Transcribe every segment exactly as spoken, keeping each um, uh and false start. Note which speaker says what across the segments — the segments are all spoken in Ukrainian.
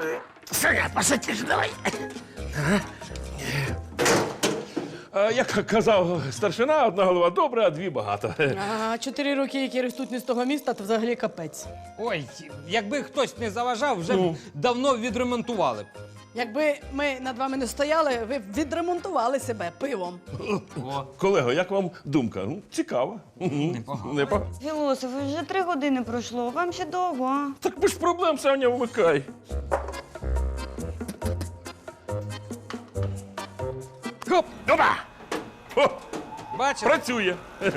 Speaker 1: Саня, посадиш, давай.
Speaker 2: А, як казав старшина, одна голова добра, а дві багато.
Speaker 3: А чотири роки, які ростуть не з того міста, то взагалі капець.
Speaker 4: Ой, якби хтось не заважав, вже б давно відремонтували б.
Speaker 3: Якби ми над вами не стояли, ви б відремонтували себе пивом.
Speaker 2: Колего, як вам думка? Ну, цікаво. Непогано. Непогано.
Speaker 5: Філософ, вже три години пройшло, вам ще довго, а?
Speaker 2: Так без проблем, Саня, вмикай. Хоп, опа! О,
Speaker 4: Бачите?
Speaker 2: працює.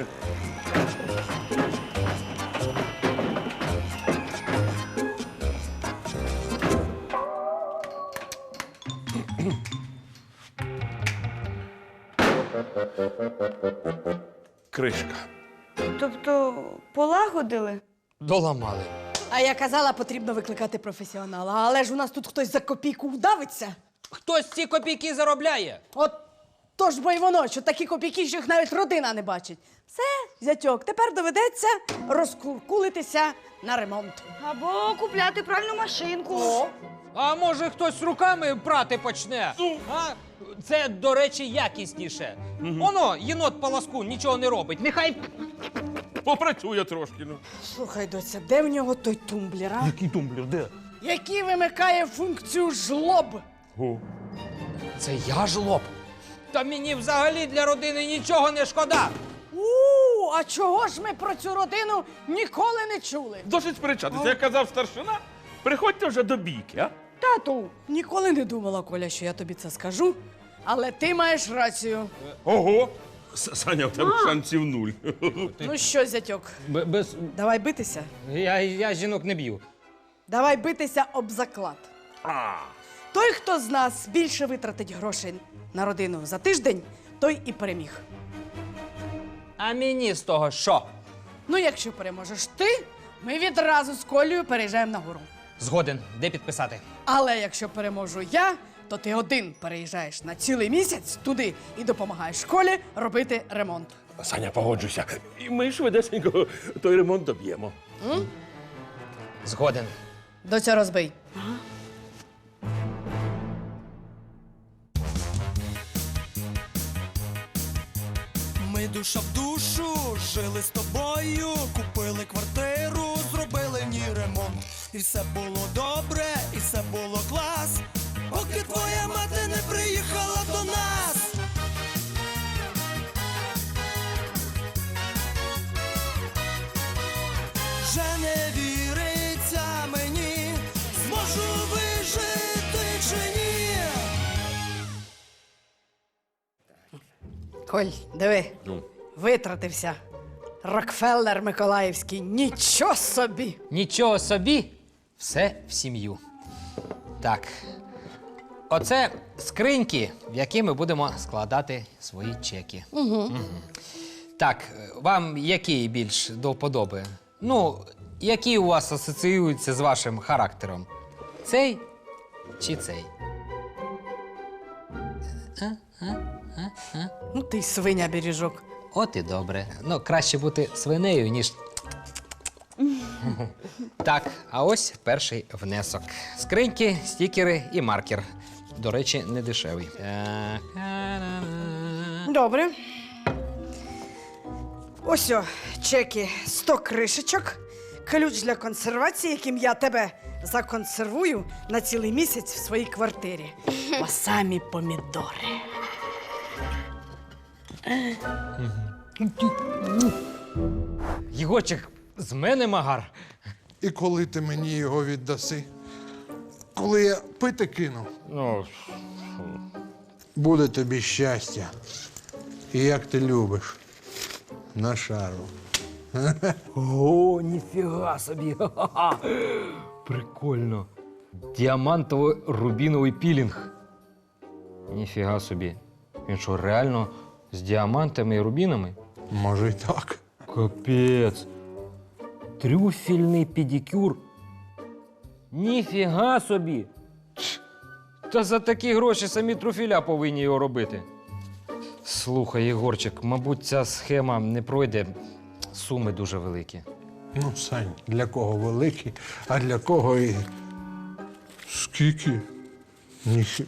Speaker 2: Кришка.
Speaker 5: Тобто полагодили?
Speaker 4: Доламали.
Speaker 3: А я казала, потрібно викликати професіонала. Але ж у нас тут хтось за копійку вдавиться.
Speaker 4: Хтось ці копійки заробляє.
Speaker 3: От то ж бо й воно, що такі копійки, що їх навіть родина не бачить. Все, зятьок, тепер доведеться розкуркулитися на ремонт.
Speaker 5: Або купляти пральну машинку.
Speaker 3: О,
Speaker 4: А може хтось руками прати почне? А? Це, до речі, якісніше. Оно, єнот по ласку, нічого не робить. Нехай
Speaker 2: Попрацює трошки. Ну.
Speaker 3: слухай, доця, де в нього той тумблер, а?
Speaker 2: Який тумблер, де?
Speaker 3: Який вимикає функцію жлоб?
Speaker 2: О.
Speaker 4: Це я жлоб. Та мені взагалі для родини нічого не шкода.
Speaker 3: У, а чого ж ми про цю родину ніколи не чули?
Speaker 2: Досить сперечатися. Як казав старшина, приходьте вже до бійки, а?
Speaker 3: Тату, ніколи не думала, Коля, що я тобі це скажу, але ти маєш рацію.
Speaker 2: Ого! С- Саня, в тебе шансів нуль.
Speaker 3: Ну що, зятьок,
Speaker 4: Б- без...
Speaker 3: давай битися?
Speaker 4: Я, я жінок не б'ю.
Speaker 3: Давай битися об заклад. Той, хто з нас більше витратить грошей на родину за тиждень, той і переміг.
Speaker 4: А мені з того що?
Speaker 3: Ну, якщо переможеш ти, ми відразу з Колею переїжджаємо на гору.
Speaker 4: Згоден. Де підписати?
Speaker 3: Але якщо переможу я, то ти один переїжджаєш на цілий місяць туди і допомагаєш школі робити ремонт.
Speaker 2: Саня, погоджуйся. І ми швидесенько той ремонт доб'ємо.
Speaker 4: Згоден.
Speaker 3: Доця, розбий.
Speaker 6: Ми душа в душу жили з тобою, купили квартиру, зробили в ній ремонт. І все було добре, і все було клас, поки твоя мати не приїхала до нас. Вже не віриться мені, зможу вижити чи ні.
Speaker 3: Коль, диви, витратився. Рокфеллер Миколаївський, нічого собі!
Speaker 4: Нічого собі, все в сім'ю. Так. Оце скриньки, в які ми будемо складати свої чеки. Угу. Так, вам який більш до вподоби? Ну, які у вас асоціюються з вашим характером? Цей чи цей?
Speaker 3: Ну ти й свиня бережок.
Speaker 4: От і добре. Ну, краще бути свинею, ніж. Так, а ось перший внесок. Скриньки, стікери і маркер. До речі, не дешевий. Так.
Speaker 3: Добре. Ось о, чеки, сто кришечок, ключ для консервації, яким я тебе законсервую на цілий місяць в своїй квартирі. А самі помідори.
Speaker 4: Єгорчик, з мене магар.
Speaker 7: І коли ти мені його віддаси? Коли я пити кину?
Speaker 2: Ну,
Speaker 7: Буде тобі щастя. І як ти любиш. На шару.
Speaker 4: О, ніфіга собі. Ха-ха. Прикольно. Діамантово-рубіновий пілінг. Ніфіга собі. Він що, реально з діамантами і рубінами?
Speaker 7: Може й так.
Speaker 4: Капець. Трюфельний педикюр. Ніфіга собі. Тш. Та за такі гроші самі трюфеля повинні його робити. Слухай, Єгорчик, мабуть, ця схема не пройде. Суми дуже великі.
Speaker 7: Ну, Сань, для кого великі, а для кого і Скільки? Ніхі.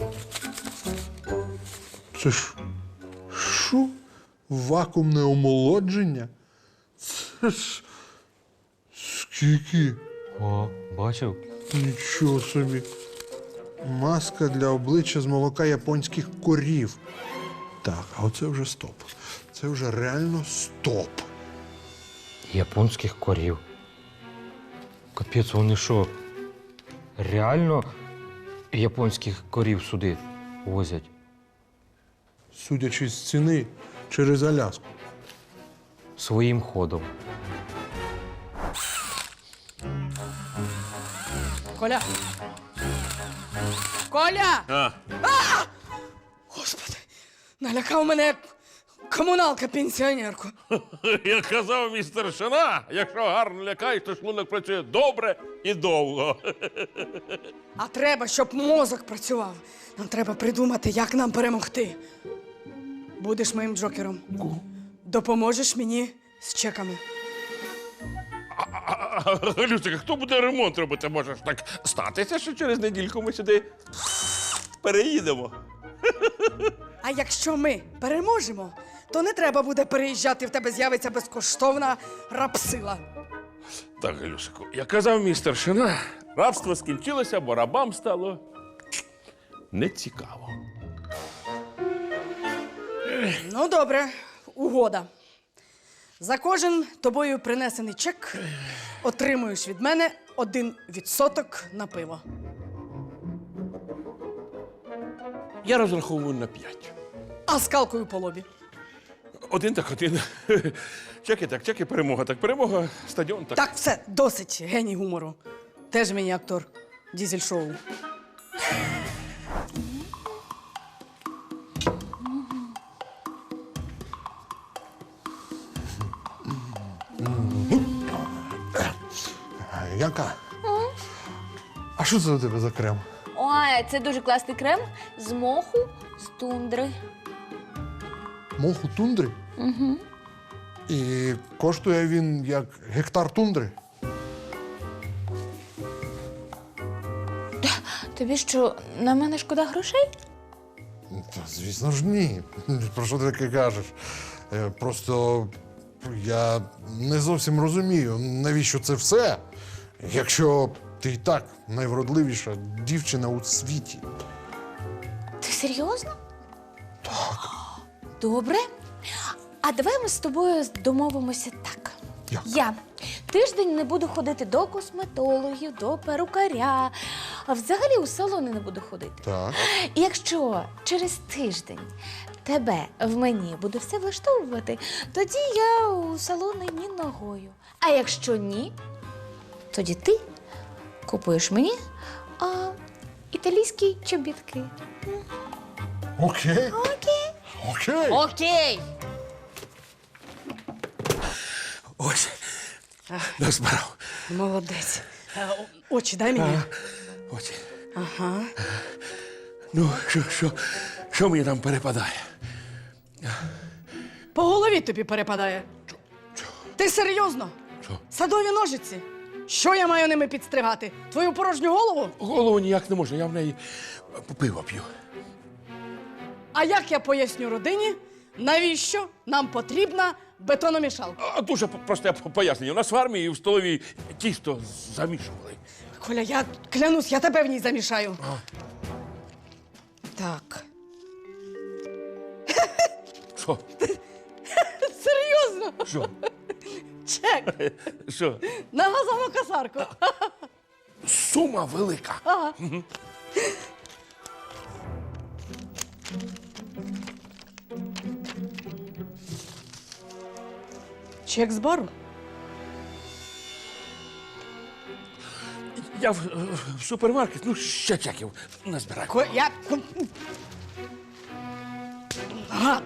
Speaker 7: Це ж. Що? Вакуумне омолодження? Це ж. Скільки?
Speaker 4: О, бачив?
Speaker 7: Нічого собі. Маска для обличчя з молока японських корів. Так, а оце вже стоп. Це вже реально стоп.
Speaker 8: Японських корів. Капець, вони що? Реально японських корів сюди возять?
Speaker 7: Судячи з ціни, через Аляску.
Speaker 8: Своїм ходом.
Speaker 3: Коля! Коля!
Speaker 2: А,
Speaker 3: Господи, налякав мене як комуналка пенсіонерку.
Speaker 2: як казав мій старшина, якщо гарно лякаєш, то шлунок працює добре і довго.
Speaker 3: А треба, щоб мозок працював. Нам треба придумати, як нам перемогти. Будеш моїм джокером. Допоможеш мені з чеками.
Speaker 2: Люсика, хто буде ремонт робити? Може ж так статися, що через недільку ми сюди переїдемо.
Speaker 3: А якщо ми переможемо, то не треба буде переїжджати, в тебе з'явиться безкоштовна рапсила.
Speaker 2: Так, Галюсику, як казав мій старшина, рабство скінчилося, бо рабам стало нецікаво.
Speaker 3: Ну, добре, угода. За кожен тобою принесений чек отримуєш від мене один відсоток на пиво.
Speaker 2: Я розраховую на п'ять.
Speaker 3: А скалкою по лобі.
Speaker 2: Один так один. Чеки так, чеки, перемога так, перемога, стадіон так.
Speaker 3: Так, все, досить, геній гумору. Теж мені актор дізель-шоу.
Speaker 7: Янка, а що це у тебе за крем?
Speaker 9: Ой, це дуже класний крем з моху, з тундри.
Speaker 7: Моху тундри? Угу. І коштує він як гектар тундри?
Speaker 9: Тобі що, на мене шкода грошей?
Speaker 7: Та, звісно ж, ні. Про що ти таке кажеш? Е, Просто я не зовсім розумію, навіщо це все, якщо ти і так найвродливіша дівчина у світі.
Speaker 9: Ти серйозно? Так. Добре. А давай ми з тобою домовимося так.
Speaker 7: Як?
Speaker 9: Я тиждень не буду ходити до косметологів, до перукаря, а взагалі у салони не буду ходити.
Speaker 7: Так.
Speaker 9: І якщо через тиждень тебе в мені буде все влаштовувати, тоді я у салони ні ногою. А якщо ні, тоді ти купуєш мені а, італійські чобітки.
Speaker 7: Окей.
Speaker 9: Окей.
Speaker 7: Окей.
Speaker 9: Окей.
Speaker 2: Ось, назбирав.
Speaker 3: Молодець. Е, о- Очі дай мені.
Speaker 2: Ось.
Speaker 3: Ага.
Speaker 2: Ну, що, що, що мені там перепадає?
Speaker 3: По голові тобі перепадає. Ти серйозно?
Speaker 2: Що?
Speaker 3: Садові ножиці. Що я маю ними підстригати? Твою порожню голову?
Speaker 2: Голову ніяк не можна, я в неї пиво п'ю.
Speaker 3: А як я поясню родині, навіщо нам потрібна бетономішалка?
Speaker 2: А дуже просте пояснення. У нас в армії в столовій тісто замішували.
Speaker 3: Коля, я клянусь, я тебе в ній замішаю. Так.
Speaker 2: Що?
Speaker 3: Серйозно?
Speaker 2: Що?
Speaker 3: Чек
Speaker 2: Що?
Speaker 3: на газову косарку.
Speaker 2: Сума велика.
Speaker 3: Ага. Чек з бару?
Speaker 2: Я в, в супермаркет, ну, ще чеків назбираю.
Speaker 3: Ко... Я... Гад!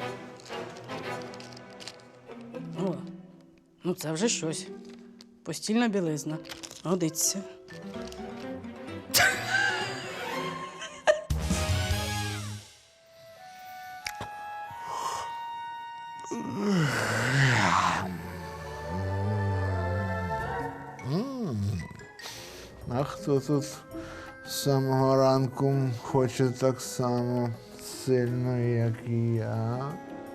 Speaker 3: О, ну це вже щось. Постільна білизна. Годиться.
Speaker 7: А хто тут з самого ранку хоче так само сильно, як і я.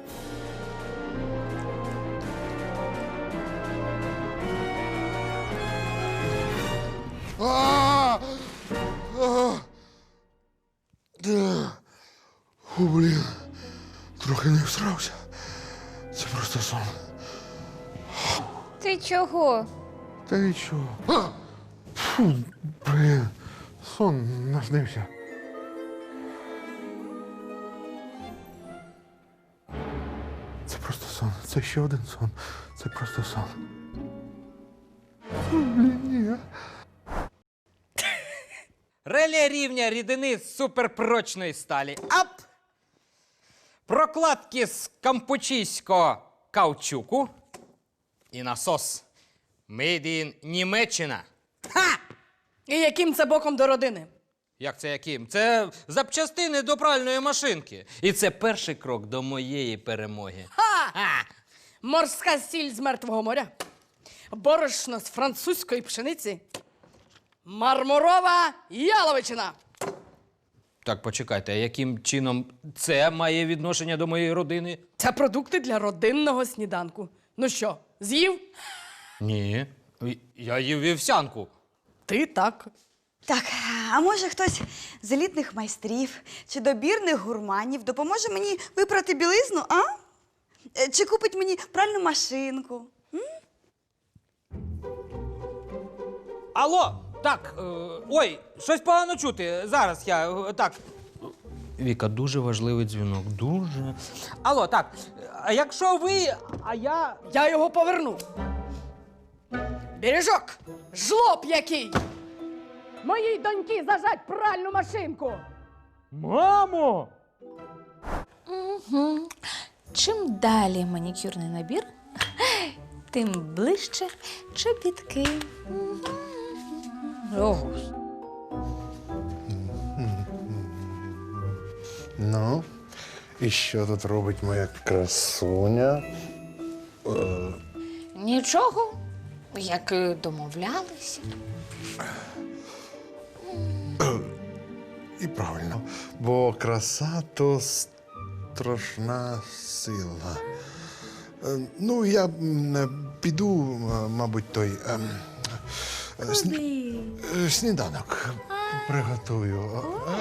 Speaker 7: А! А! Да. О, блін, трохи не всрався. Це просто сон.
Speaker 9: Ти чого?
Speaker 7: Та нічого. А! Фу, блін, сон наснився. Це просто сон. Це ще один сон. Це просто сон. Фу, блін, ні.
Speaker 4: Реле рівня рідини з суперпрочної сталі. Ап! Прокладки з кампучійського каучуку. І насос. Made in Німеччина.
Speaker 3: Ха! І яким це боком до родини?
Speaker 4: Як це яким? Це запчастини до пральної машинки. І це перший крок до моєї перемоги.
Speaker 3: Ха!
Speaker 4: А!
Speaker 3: Морська сіль з Мертвого моря, борошно з французької пшениці, мармурова яловичина.
Speaker 4: Так, почекайте, а яким чином це має відношення до моєї родини?
Speaker 3: Це продукти для родинного сніданку. Ну що, з'їв?
Speaker 4: Ні. Я їв вівсянку.
Speaker 3: Ти так.
Speaker 5: Так, а може хтось з елітних майстрів чи добірних гурманів допоможе мені випрати білизну, а? Е, Чи купить мені пральну машинку?
Speaker 4: Алло, так, е, ой, щось погано чути. Зараз я, е, так. Віка, дуже важливий дзвінок, дуже. Алло, так, а якщо ви, а я...
Speaker 3: Я його поверну. Бережок, жлоб який! Моїй доньки зажать пральну машинку!
Speaker 8: Мамо!
Speaker 9: Угу. Чим далі манікюрний набір, тим ближче чобітки. Ого.
Speaker 7: Ну, і що тут робить моя красуня?
Speaker 9: Нічого, як і домовлялися.
Speaker 7: І правильно, бо краса то страшна сила. Е, Ну, я м, е, піду, м, мабуть, той ем, е, сні- е, сніданок приготую.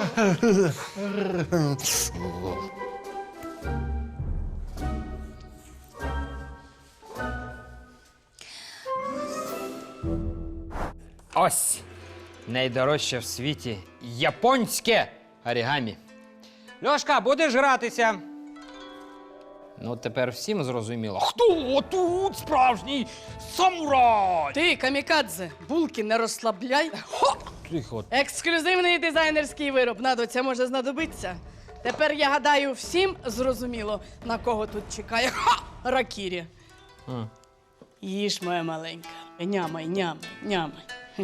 Speaker 4: Ось найдорожче в світі японське орігамі. Льошка, будеш гратися? Ну, тепер всім зрозуміло. Хто тут справжній самурай?
Speaker 3: Ти, камікадзе, булки не розслабляй. Хо!
Speaker 4: Тихо.
Speaker 3: Ексклюзивний дизайнерський вироб. Надо, це може знадобитися. Тепер, я гадаю, всім зрозуміло, на кого тут чекає ха! Ракірі.
Speaker 4: А.
Speaker 3: Їж, моя маленька. Нямай, нямай, нямай.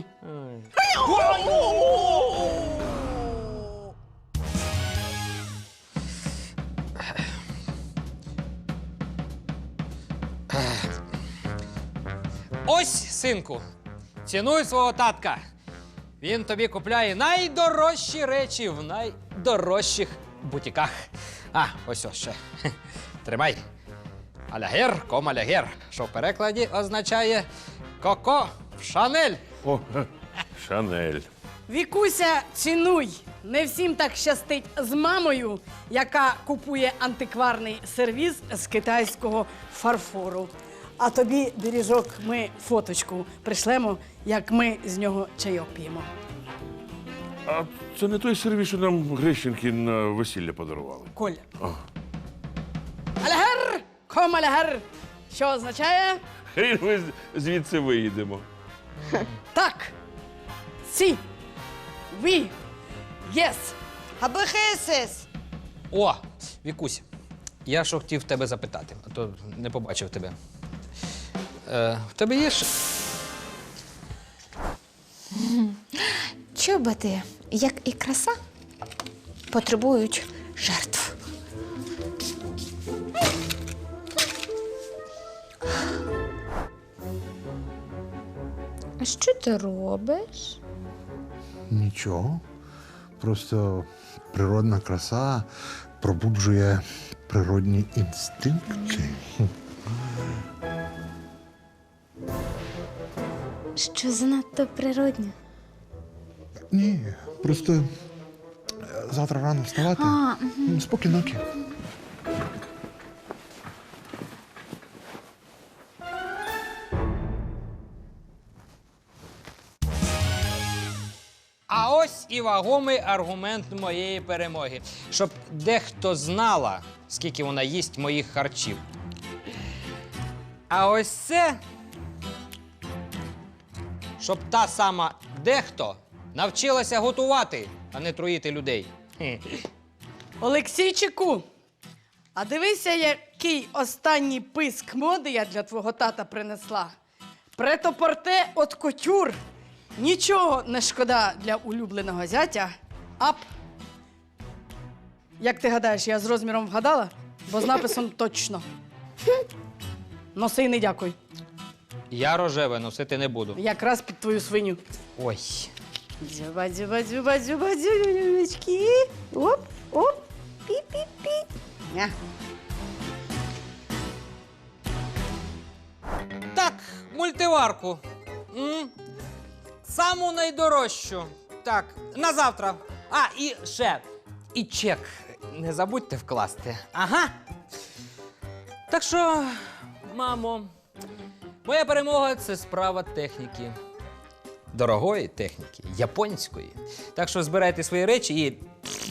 Speaker 4: Ось, синку, цінуй свого татка. Він тобі купляє найдорожчі речі в найдорожчих бутіках. А, ось ось ще. Хе, тримай. Алягер, ком алягер, що в перекладі означає коко в Шанель.
Speaker 2: О, Шанель.
Speaker 3: Вікуся, цінуй. Не всім так щастить з мамою, яка купує антикварний сервіз з китайського фарфору. А тобі, Бережок, ми фоточку пришлемо, як ми з нього чайок п'ємо.
Speaker 2: А це не той сервіс, що нам Грещенки на весілля подарували.
Speaker 3: Коля. Алягер! Ком алягер! Що означає?
Speaker 2: Хрін ми з- звідси виїдемо.
Speaker 3: Так. Сі. Ві. Єс.
Speaker 5: Абехесес!
Speaker 4: О, Вікусь, я що хотів тебе запитати, а то не побачив тебе. Е, в тебе є ж...
Speaker 9: Чоботи, як і краса, потребують жертв. А що ти робиш?
Speaker 7: Нічого. просто природна краса пробуджує природні інстинкти.
Speaker 9: Що занадто природньо.
Speaker 7: Ні, просто е, завтра рано вставати.
Speaker 9: А,
Speaker 7: М, Спокійнокі.
Speaker 4: А ось і вагомий аргумент моєї перемоги. Щоб дехто знала, скільки вона їсть моїх харчів. А ось це, щоб та сама дехто навчилася готувати, а не труїти людей. Хе.
Speaker 3: Олексійчику, а дивися, який останній писк моди я для твого тата принесла. Претопорте от котюр. Нічого не шкода для улюбленого зятя. Ап. Як ти гадаєш, я з розміром вгадала? Бо з написом точно. Носи і не дякуй.
Speaker 4: Я рожеве носити не буду.
Speaker 3: Якраз під твою свиню.
Speaker 4: Ой.
Speaker 3: Дзюба, дзюба, дзюба, дзюба, дзюбочки. Оп, оп, пі-пі-пі. Ня.
Speaker 4: Так, мультиварку. М? Саму найдорожчу. Так, на завтра. А, і ще. І чек не забудьте вкласти. Ага. Так що, мамо, моя перемога це справа техніки. Дорогої техніки, японської. Так що збирайте свої речі і.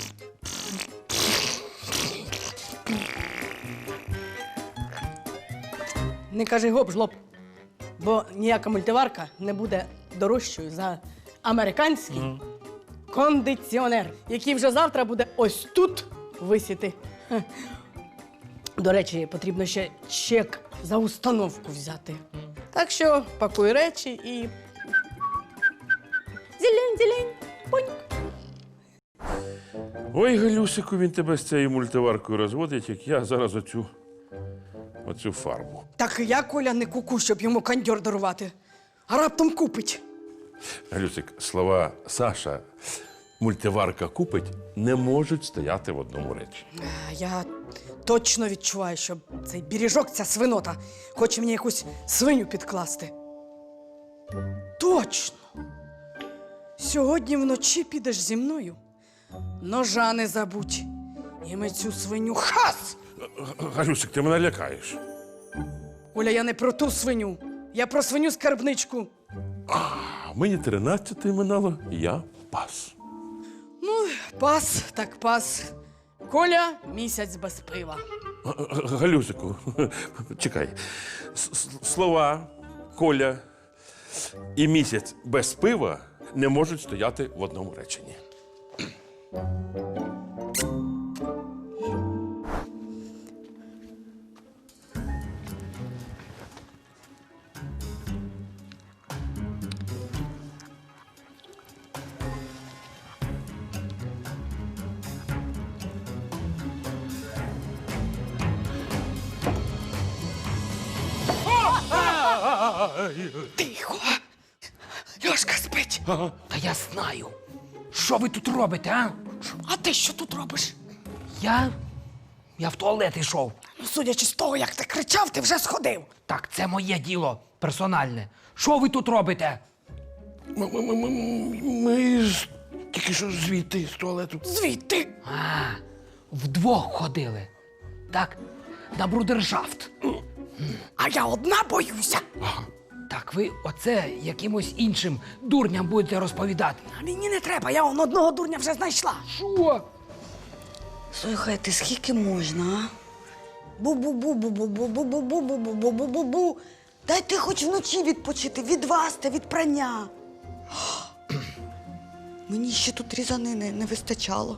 Speaker 3: Не кажи гоп, жлоб. Бо ніяка мультиварка не буде дорожчою за американський кондиціонер, який вже завтра буде ось тут висіти. Хе. До речі, потрібно ще чек за установку взяти. Так що пакуй речі і. Зелень, зелень, поньк.
Speaker 2: Ой, Галюсику, він тебе з цією мультиваркою розводить, як я зараз оцю, оцю фарбу.
Speaker 3: Так і я, Коля, не куку, щоб йому кондьор дарувати. А раптом купить.
Speaker 2: Галюсик, слова Саша, мультиварка купить, не можуть стояти в одному речі.
Speaker 3: А Я точно відчуваю, що цей біріжок, ця свинота, хоче мені якусь свиню підкласти. Точно! Сьогодні вночі підеш зі мною. Ножа не забудь. І ми цю свиню хас!
Speaker 2: Галюсик, ти мене лякаєш.
Speaker 3: Оля, я не про ту свиню. Я про свиню-скарбничку.
Speaker 2: А мені тринадцяти минало, я пас.
Speaker 3: Ну, пас, так пас. Коля місяць без пива.
Speaker 2: Г- Галюсику, чекай. С- с- Слова Коля і місяць без пива не можуть стояти в одному реченні.
Speaker 3: Тихо! Льошка спить.
Speaker 4: Та я знаю. Що ви тут робите, а?
Speaker 3: А ти що тут робиш?
Speaker 4: Я. Я в туалет йшов.
Speaker 3: Ну, судячи з того, як ти кричав, ти вже сходив.
Speaker 4: Так, це моє діло персональне. Що ви тут робите?
Speaker 2: Ми, ми, ми, ми, ми ж тільки що звідти з туалету.
Speaker 3: Звідти.
Speaker 4: А, вдвох ходили. Так, на брудершафт.
Speaker 3: А я одна боюся.
Speaker 4: Так, ви оце якимось іншим дурням будете розповідати.
Speaker 3: А мені не треба, я он одного дурня вже знайшла.
Speaker 4: Що?
Speaker 5: Слухайте, скільки можна, а? Бу-бу-бу-бу-бу-бу-бу-бу-бу-бу-бу-бу-бу-бу. Дайте хоч вночі відпочити від вас та від прання. Мені ще тут різанини не вистачало.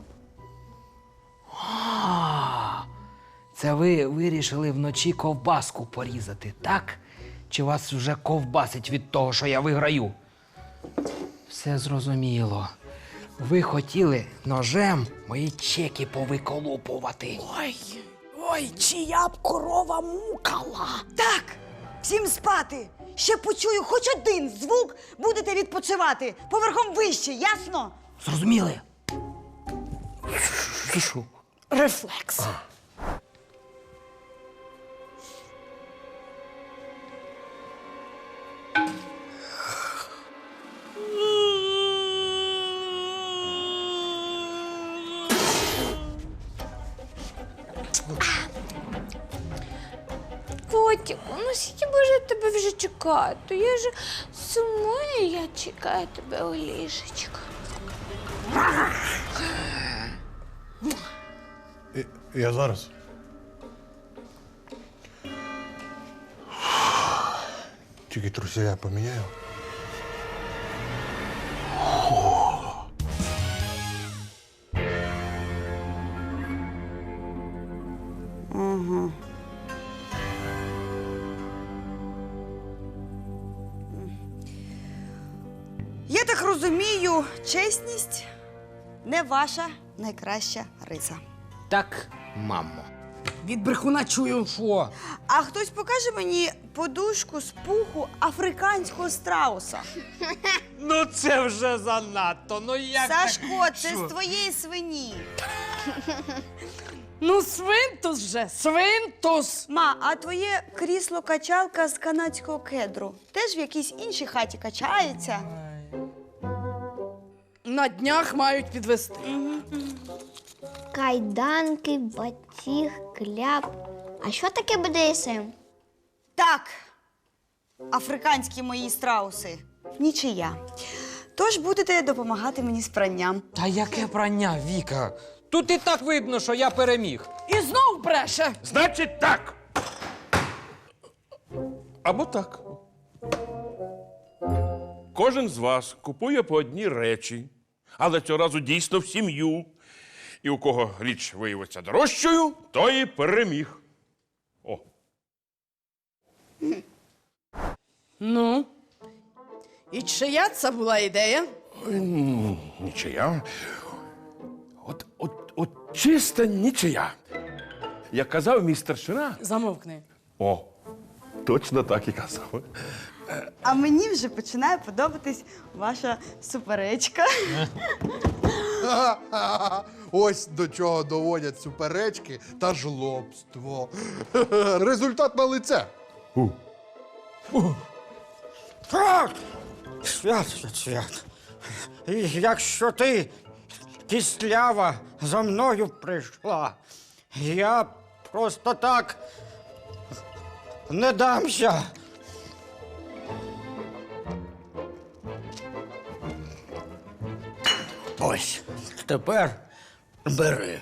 Speaker 4: А, це ви вирішили вночі ковбаску порізати, так? Чи вас вже ковбасить від того, що я виграю? Все зрозуміло. Ви хотіли ножем мої чеки повиколупувати.
Speaker 3: Ой, ой, чия б корова мукала.
Speaker 5: Так, всім спати. Ще почую хоч один звук, будете відпочивати. Поверхом вище, ясно?
Speaker 4: Зрозуміли?
Speaker 2: Це що?
Speaker 3: Рефлекс.
Speaker 9: Котику, ну скільки може тебе вже чекати? Я ж сумую, я чекаю тебе у ліжечку.
Speaker 7: Я зараз. Тільки труселя поміняю.
Speaker 5: Я так розумію, чесність не ваша найкраща риса.
Speaker 4: Так, мамо.
Speaker 3: Від брехуна чую.
Speaker 4: Що?
Speaker 5: А хтось покаже мені подушку з пуху африканського страуса.
Speaker 4: Ну це вже занадто. Ну як?
Speaker 5: Сашко, це
Speaker 4: Що?
Speaker 5: з твоєї свині.
Speaker 3: Ну, свинтус же, свинтус.
Speaker 5: Ма, а твоє крісло-качалка з канадського кедру теж в якійсь іншій хаті качається?
Speaker 3: На днях мають підвести.
Speaker 10: Кайданки, батіг, кляп. А що таке бе де ес ем?
Speaker 5: Так, африканські мої страуси. Нічия. Тож будете допомагати мені з пранням.
Speaker 4: Та яке прання, Віка? Тут і так видно, що я переміг.
Speaker 3: І знов бреше.
Speaker 2: Значить так. Або так. Кожен з вас купує по одній речі, але цього разу дійсно в сім'ю. І у кого річ виявиться дорожчою, той і переміг. О.
Speaker 3: Ну. І чия це була ідея?
Speaker 2: Нічия. От, от, от чиста нічия. Як казав мій старшина.
Speaker 3: Замовкни.
Speaker 2: О, точно так і казав.
Speaker 5: А мені вже починає подобатись ваша суперечка.
Speaker 7: Ось до чого доводять суперечки та жлобство. Результат на лице.
Speaker 8: Так! Свят, свят, свят. І якщо ти, кістлява, за мною прийшла, я просто так не дамся. Ось, тепер бери.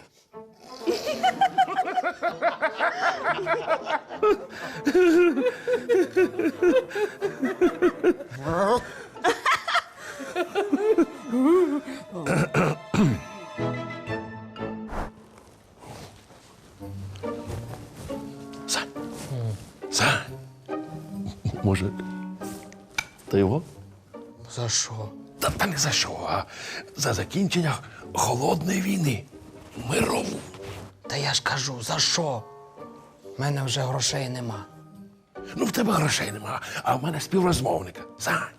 Speaker 2: Сань. Сань. Може, та його?
Speaker 4: За що?
Speaker 2: Та, та не за що, а за закінчення холодної війни. Мирову.
Speaker 4: Та я ж кажу, за що? У мене вже грошей нема.
Speaker 2: Ну, в тебе грошей нема, а в мене співрозмовника. Сань.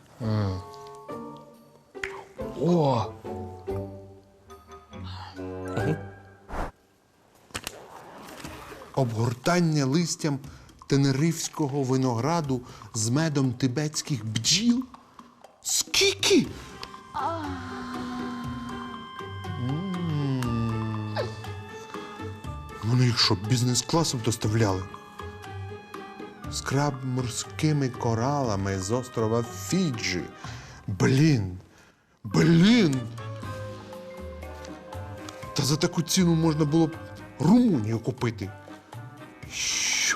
Speaker 4: О!
Speaker 7: Обгортання листям тенерифського винограду з медом тибетських бджіл? Скільки? М. Вони їх що, бізнес-класом доставляли? Скраб морськими коралами з острова Фіджі. Блін. Блін. Та за таку ціну можна було б Румунію купити. Що?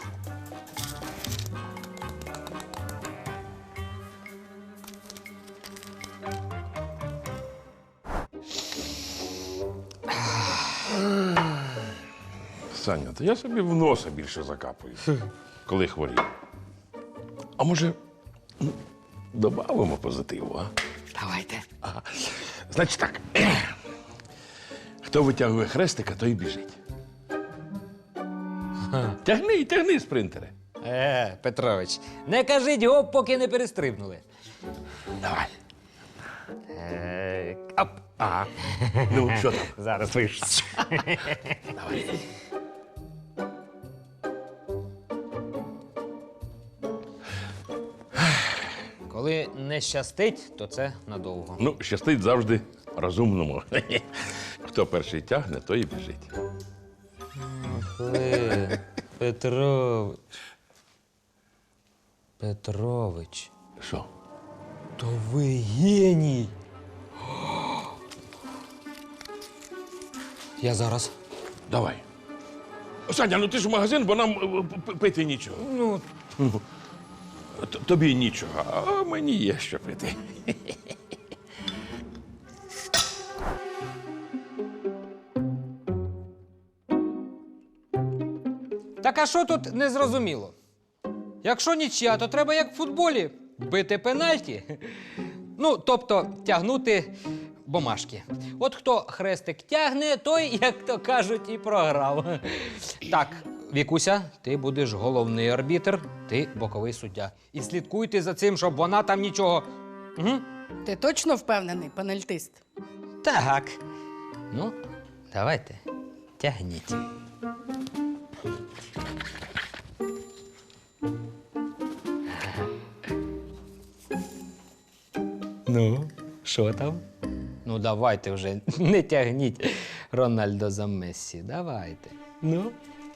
Speaker 2: Саня, то я собі в носа більше закапую, коли хворію. А може, ну, добавимо позитиву, а?
Speaker 4: Давайте.
Speaker 2: Ага. Значить так. Хто витягує хрестика, той і біжить. Тягни, тягни, спринтери.
Speaker 4: Е, Петрович, не кажіть гоп, поки не перестрибнули.
Speaker 2: Давай.
Speaker 4: Е, оп.
Speaker 2: А, ну що там?
Speaker 4: Зараз вийшов. Коли не щастить, то це надовго.
Speaker 2: Ну, щастить завжди розумному. Хто перший тягне, той і біжить.
Speaker 4: Е, Петрович. Петрович,
Speaker 2: Що?
Speaker 4: то ви геній. Я зараз.
Speaker 2: Давай. Саня, ну ти ж в магазин, бо нам е, п- пити нічого.
Speaker 4: Ну,
Speaker 2: Т- Тобі нічого, а мені є що пити.
Speaker 4: так а що тут незрозуміло? Якщо нічия, то треба як в футболі бити пенальті. Ну, тобто тягнути бумажки. От хто хрестик тягне, той, як то кажуть, і програв. Так, Вікуся, ти будеш головний арбітр, ти боковий суддя. І слідкуйте за цим, щоб вона там нічого. Угу.
Speaker 3: Ти точно впевнений, пенальтист?
Speaker 4: Так. Ну, давайте, тягніть. Ну, що там? Ну, давайте вже, не тягніть Рональдо за Мессі. Давайте. Ну.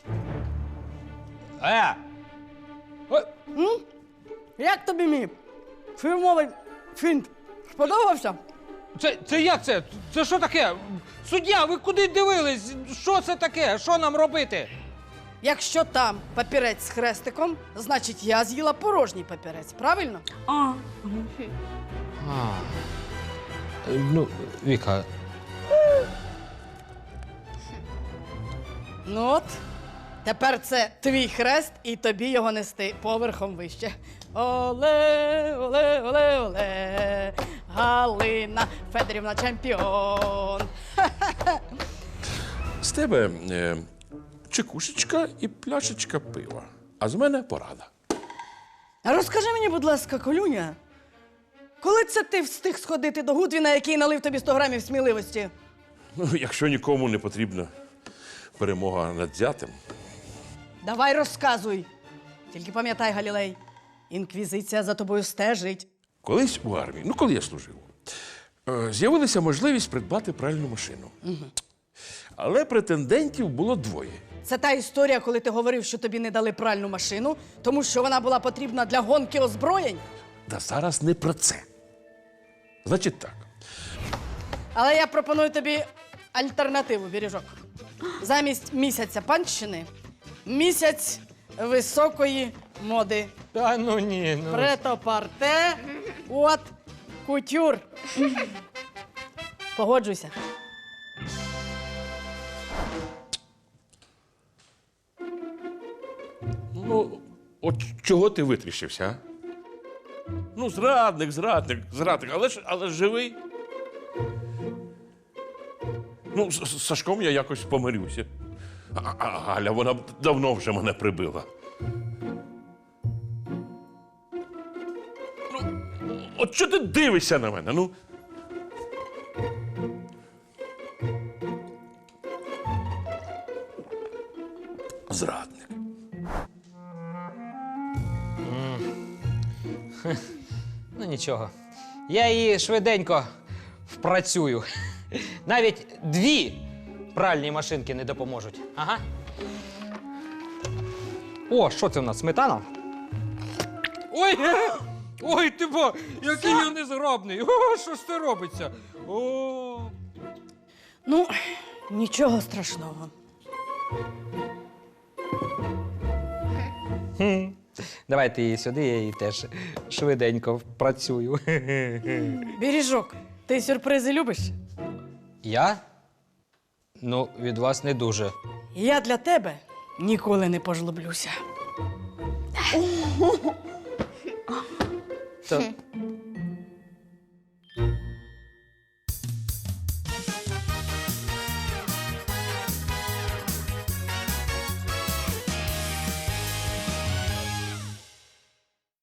Speaker 4: Е! Ой,
Speaker 3: Як тобі мій фірмовий фінт? Сподобався?
Speaker 4: Це, це як це? Це що таке? Суддя, ви куди дивились? Що це таке? Що нам робити?
Speaker 3: Якщо там папірець з хрестиком, значить я з'їла порожній папірець, правильно?
Speaker 5: А,
Speaker 4: А, ну, Віка,
Speaker 3: Ну от, тепер це твій хрест і тобі його нести поверхом вище. Оле, оле, оле, оле, Галина Федорівна чемпіон.
Speaker 2: З тебе е, чекушечка і пляшечка пива. А з мене порада.
Speaker 3: А розкажи мені, будь ласка, Колюня, коли це ти встиг сходити до Гудвіна, який налив тобі сто грамів сміливості?
Speaker 2: Ну, якщо нікому не потрібна перемога над зятем,
Speaker 3: Давай розказуй. Тільки пам'ятай, Галілей, інквізиція за тобою стежить.
Speaker 2: колись у армії, ну коли я служив, е, з'явилася можливість придбати пральну машину. Але претендентів було двоє.
Speaker 3: Це та історія, коли ти говорив, що тобі не дали пральну машину, тому що вона була потрібна для гонки озброєнь.
Speaker 2: Та зараз не про це. Значить так.
Speaker 3: Але я пропоную тобі альтернативу, Бережок. Замість місяця панщини – місяць високої моди.
Speaker 4: та ну ні, ну.
Speaker 3: Претопарте, от, кутюр. Погоджуйся.
Speaker 2: Ну, от чого ти витріщився, а? Ну, зрадник, зрадник, зрадник, але ж, але ж живий. Ну, з, з Сашком я якось помирюся. А, а Галя, вона б давно вже мене прибила. Ну, от що ти дивишся на мене? Ну? Зрадник.
Speaker 4: Ну нічого. Я її швиденько впрацюю. Навіть дві пральні машинки не допоможуть. Ага. О, що це в нас? Сметана? Ой! Ой, ти бо, який я незграбний! О, що ж це робиться? О!
Speaker 3: Ну, нічого страшного.
Speaker 4: Давайте її сюди, я її теж швиденько впрацюю.
Speaker 3: Бережок, ти сюрпризи любиш?
Speaker 4: Я? Ну, від вас не дуже.
Speaker 3: Я для тебе ніколи не пожлоблюся.
Speaker 4: То,